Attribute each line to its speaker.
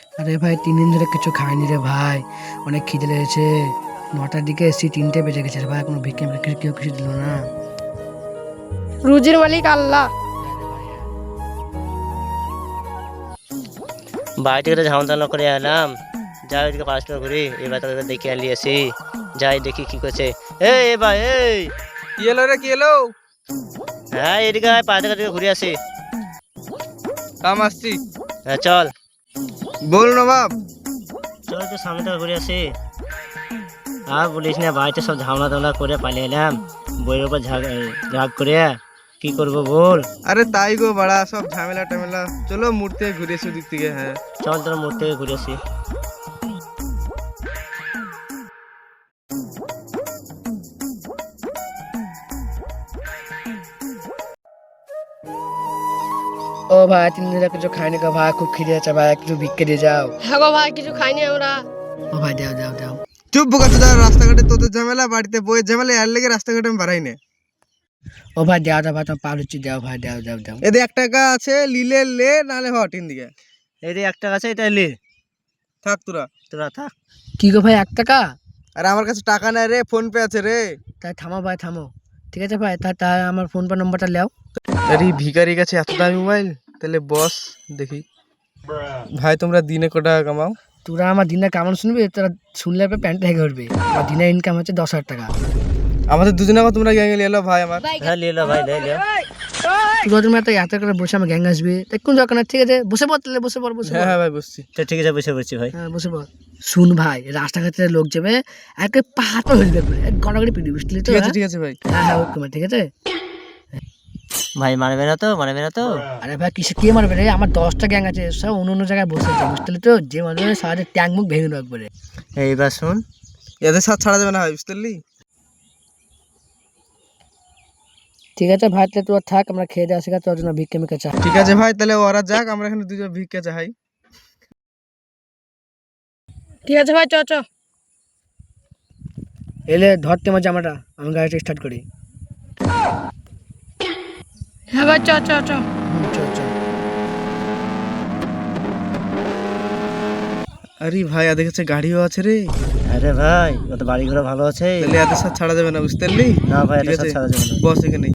Speaker 1: আরে ভাই 3 দিন ধরে কিছু খাইনি রে ভাই, অনেক খিদে লেগেছে। 9টার দিকে এসেছি, 3টে বেজে গেছে রে ভাই, কোনো ভিক্ষে কেউ কিছু দিল না।
Speaker 2: রুজির মালিক আল্লাহ।
Speaker 3: বাড়ি থেকে ঝামেলা করে এলাম, যাই ওইদিকে পড়াশোনা করি, এবার তাদের দেখে আলিয়েছি, যাই দেখি কি করছে। এই ভাই এই,
Speaker 4: কি এলো রে, কি এলো?
Speaker 3: হ্যাঁ এদিকে আয়, পাড়া থেকে ঘুরে আসি।
Speaker 4: কাম আসছি।
Speaker 3: হ্যাঁ চল
Speaker 4: বল নবাব।
Speaker 3: চল, তো সামনে থেকে ঘুরে আসি। আর বলিস না, বাড়িতে সব ঝামেলা টামলা করে পালিয়ে এলাম, বইয়ের উপর রাগ করে। কি করবো বল?
Speaker 4: আরে তাই গো বাড়া, সব ঝামেলা টামেলা। চলো মূর্তি ঘুরে এসে দিক থেকে। হ্যাঁ
Speaker 3: চল তোর মোড় থেকে ঘুরে আসি।
Speaker 1: ও ভাই 3 দিন ধরে কিছু খাইনি গো ভাই, খুব খিদে আছে ভাই, কিছু ভিক্ষে দিয়ে যাও।
Speaker 2: হ্যাঁ গো ভাই, কিছু খাইনি আমরা।
Speaker 1: ও ভাই দাও দাও দাও।
Speaker 4: চুপ বোকাচ্ছ, রাস্তাঘাটে তোদের ঝামেলা, বাড়িতে বইয়ের ঝামেলা, এর লেগে রাস্তাঘাটে আমি বাড়াই না।
Speaker 1: ও ভাই দাও দাও ভাই, তোমার পা লুচি দাও ভাই, দাও দাও দাও।
Speaker 4: এদের 1 টাকা আছে, লিলে লে, নালে হটিন দিকে
Speaker 3: এই রে 1 টাকা আছে, এটা লে,
Speaker 4: থাক তোরা।
Speaker 3: তোরা থাক।
Speaker 1: কি গো ভাই 1 টাকা?
Speaker 4: আর আমার কাছে টাকা নাই রে, ফোন পে আছে রে।
Speaker 1: তাই থামো ভাই থামো, ঠিক আছে ভাই, তা আমার ফোন পে নম্বরটা নাও।
Speaker 4: আরে ভিখারির কাছে এত দামি মোবাইল, তাহলে বস দেখি। ভাই তোমরা দিনে কত টাকা কামাও?
Speaker 1: তোরা আমার দিনে কেমন শুনবি, তোরা শুনলে প্যান্ট ভেঙে উঠবে। আমার দিনের ইনকাম হচ্ছে 10,000 টাকা।
Speaker 4: আমাদের দুজনে তোমরা গ্যাংয়ে এলো ভাই আমার।
Speaker 3: হ্যাঁ লে লো ভাই, লে লে।
Speaker 1: তুমি এত করে বসে আমার গ্যাং আসবে, তাই কোন দরকার নেই, ঠিক আছে বসে পড়, তাহলে বসে পড় বসে
Speaker 4: হ্যাঁ
Speaker 1: পড়।
Speaker 4: হ্যাঁ ভাই বসছি।
Speaker 3: তো ঠিক আছে, বসে পড়ছি ভাই।
Speaker 1: হ্যাঁ বসে পড়। শুন ভাই, রাস্তাঘাটে লোক যাবে, একে পাহাড় হয়ে যাবে, গড়াগড়ি পিটি বুঝলি তো?
Speaker 4: ঠিক আছে ঠিক আছে ভাই।
Speaker 1: হ্যাঁ হ্যাঁ ওকে ঠিক আছে।
Speaker 3: ভাই মারবে না তো, মারবে না তো?
Speaker 1: আরে ভাই কিসে কে মারবে রে, আমার 10টা গ্যাং আছে, সব অন্য অন্য জায়গায় বসে আছে বুঝতে পারলি তো, যে মারবে সারাটা ট্যাঙ্ক মুখ ভেঙে দেবো একবারে।
Speaker 3: এইবার শুন,
Speaker 4: এদের সাথে ছাড়া যাবে না ভাই, বুঝতে পারলি?
Speaker 1: ঠিক আছে ভাই, তাহলে তোর থাক, আমরা খেয়ে দিয়ে আসি, তোর জন্য ভিক্ষে মিক্ষে চা।
Speaker 4: ঠিক আছে ভাই, তাহলে ওরা যাক, আমরা এখানে দুজন ভিক্ষা চাই।
Speaker 2: ঠিক আছে ভাই, চ চ।
Speaker 1: এলে ধরতে আমার জামাটা, আমি গাড়িটা স্টার্ট করি।
Speaker 2: হ্যাঁ ভাই, চ চ চ।
Speaker 1: চল চল।
Speaker 4: আরে ভাই এদের কাছে গাড়িও আছে রে,
Speaker 3: আরে ভাই ও তো বাড়ি ঘোড়া ভালো আছে।
Speaker 4: তাহলে এদের সাথে ছাড়া যাবে না, বুঝতে পারলি?
Speaker 3: না ভাই,
Speaker 4: ঠিক
Speaker 3: এটা
Speaker 4: আছে
Speaker 3: ছাড়া যাবে না।
Speaker 4: বস এখানে।